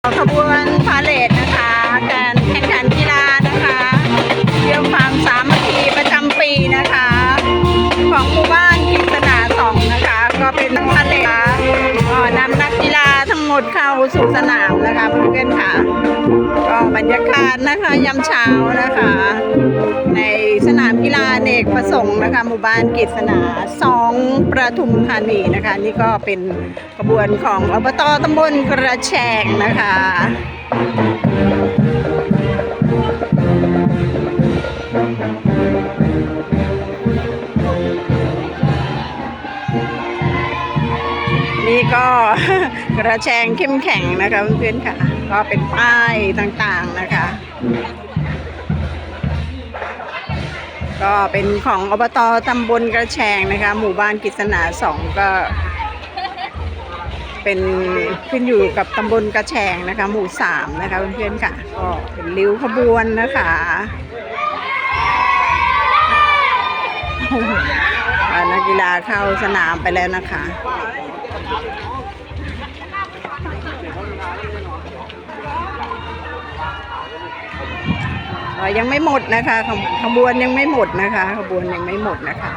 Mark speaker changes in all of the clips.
Speaker 1: ขบวนพาเหรดนะคะการแข่งขันกีฬานะคะเยี่ยมความสามัคคีประจำปีนะคะของหมู่บ้านกิษณา2นะคะก็เป็นพาเหรดนำนักกีฬาทั้งหมดเข้าสู่สนามนะคะเพื่อนๆค่ะก็บรรยากาศนะคะยามเช้านะคะในสนามกีฬาอเนกประสงค์นะคะหมู่บ้านกิษณา2ประทุมธานีนะคะนี่ก็เป็นขบวนของอบต.ตำบลกระแชงนะคะนี่ก็กระแชงเข้มแข็งนะคะเพื่อนๆค่ะก็เป็นป้ายต่างๆนะคะก็เป็นของอบต.ตำบลกระแชงนะคะหมู่บ้านกิษณา2ก็เป็นขึ้นอยู่กับตำบลกระแชงนะคะหมู่3นะคะเพื่อนๆค่ะก็เป็นริ้วขบวนนะคะนักกีฬาเข้าสนามไปแล้วนะคะยังไม่หมดนะคะขบวนยังไม่หมดนะคะขบวนยังไม่หมดนะคะ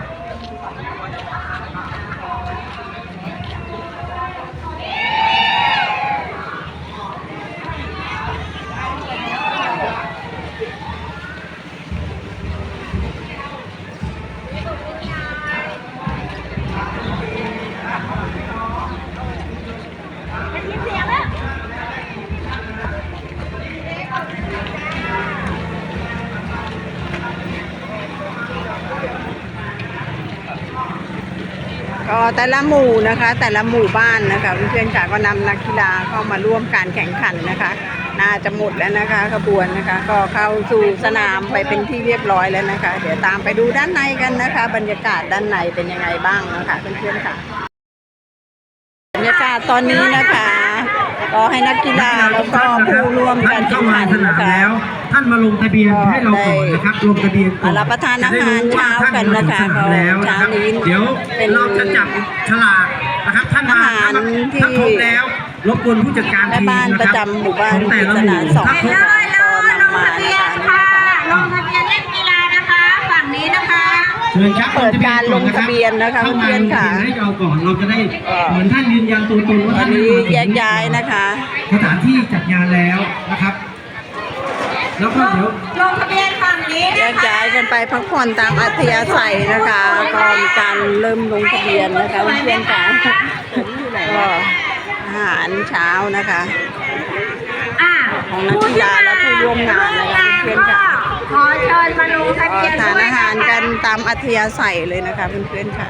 Speaker 1: ก็แต่ละหมู่นะคะแต่ละหมู่บ้านนะคะเพื่อนๆค่ะก็นำนักกีฬาเข้ามาร่วมการแข่งขันนะคะน่าจะหมดแล้วนะคะขบวนนะคะก็เข้าสู่สนามไปเป็นที่เรียบร้อยแล้วนะคะเดี๋ยวตามไปดูด้านในกันนะคะบรรยากาศด้านในเป็นยังไงบ้างนะคะเพื่อนๆค่ะบรรยากาศตอนนี้นะคะก็ให้นักกีฬาแล้วก็ผู้ร่วมการแข่งขันนะคะ
Speaker 2: ท่านมาลงทะเบียนให้เราก่อนนะครับลงทะเบียนก่อน
Speaker 1: รับประทานอาหารเช้ากันนะคะเช้านี้
Speaker 2: เดี๋ยวเราจะจับฉลากนะครับท่านมาถ้าครบแล้วรบกวนผู้จัดการทีมนะครับ
Speaker 1: ประจำหมู่บ้านกิษณา2ก็นำมานะคะ
Speaker 3: ลงทะเบียนเล่นกีฬานะคะฝั่งนี้นะคะ
Speaker 2: เชิญครับ
Speaker 1: เปิดการลงทะเบียนนะคะเพื่อนๆค่ะ
Speaker 2: ให้เราก่อนเราจะได้เหมือนท่านยืนยันตัวตนว่าท่าน
Speaker 1: นี้แยกย้ายนะคะ
Speaker 2: สถานที่จัดงานแล้วนะครับแล้วก็เดี๋ยว
Speaker 3: ลงทะเบียนฝั่งนี้
Speaker 1: แยกย้ายกันไปพักผ่อนตามอัธยาศัยนะคะก็มีการเริ่มลงทะเบียนนะคะเพื่อนๆค่ะก็อาหารเช้านะคะของนักกีฬาและผู้ร่วมงานนะคะเพื่อนๆค่ะ
Speaker 3: ขอเชิญมาลงทะเบียน
Speaker 1: ทานอาหารกันตามอัธยาศัยเลยนะคะเพื่อนๆค่ะ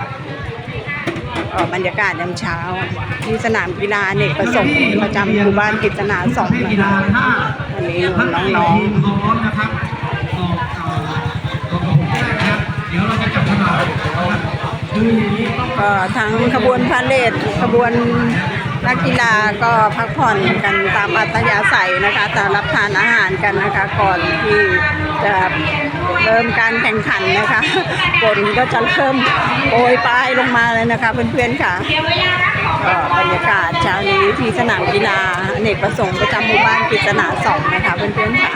Speaker 1: บรรยากาศยามเช้าที่สนามกีฬาอเนกประสงค์ประจำหมู่บ้านกิษณา2นะคะวันนี้น้อง
Speaker 2: ๆนะครับเดี๋ยวเราจะจับฉลาก
Speaker 1: ก็ทั้งขบวนพาเหรดขบวนนักกีฬาก็พักผ่อนกันตามอัธยาศัยนะคะแต่รับทานอาหารกันนะคะก่อนที่จะเริ่มการแข่งขันนะคะฝนก็จะเริ่มโปรยปลายลงมาเลยนะคะเพื่อนๆค่ะก็บรรยากาศเช้านี้ที่สนามกีฬาอเนกประสงค์ประจำหมู่บ้านกิษณา2นะคะเพื่อนๆค่ะ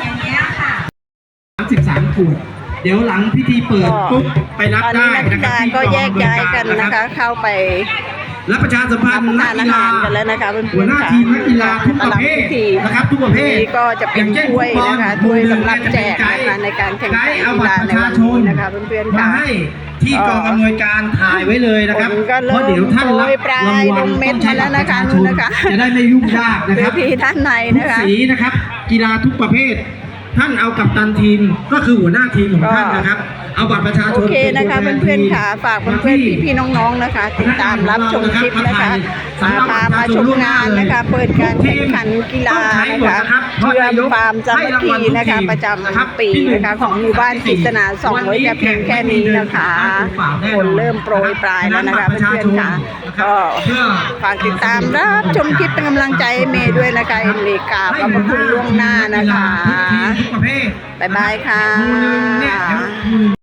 Speaker 2: 13 ขวดเดี๋ยวหลังพิธีเปิดปุ๊บไปรับได้
Speaker 1: นะครับก็แยกย้ายกันนะคะเข้าไป
Speaker 2: และประชาสัมพันธ์
Speaker 1: นักกีฬากันแล้วนะคะ
Speaker 2: หัวหน้าทีมนักกีฬาทุกประเภทนะครับทุกประเภท
Speaker 1: ก็จะเป็นถ้วยนะคะถ้วยสำหรับแจกนะคะในการแข่งขันกีฬาในวันนี้นะคะเพื่อนๆค่ะ
Speaker 2: ที่กองอำนวยการถ่ายไว้เลยนะครับเพราะเดี๋ยวท่านรับรางวัลต้องใช้บัตรประชาชนจะได้ไม่ยุ่งยากนะครับ
Speaker 1: ที่ด้านในนะคะ
Speaker 2: สีนะครับกีฬาทุกประเภทท่านเอากัปตันทีมก็คือหัวหน้าทีมของท่านนะครับเอาบัตรประชาชน
Speaker 1: โอเคนะคะเพื่อนๆค่ะฝากเพื่อนๆพี่ๆน้องๆนะคะติดตามรับชมคลิปนะคะพามาชมงานนะคะเปิดการแข่งขันกีฬานะคะเพื่อความสามัคคีนะคะประจำปีนะคะของหมู่บ้านกิษณา2ไว้แต่เพียงแค่นี้นะคะฝนเริ่มโปรยปลายแล้วนะคะเพื่อนๆค่ะก็ฝากติดตามรับชมคลิปเป็นกำลังใจเมย์ด้วยนะคะเมย์กราบขอบคุณล่วงหน้านะคะบ๊ายบายค่ะ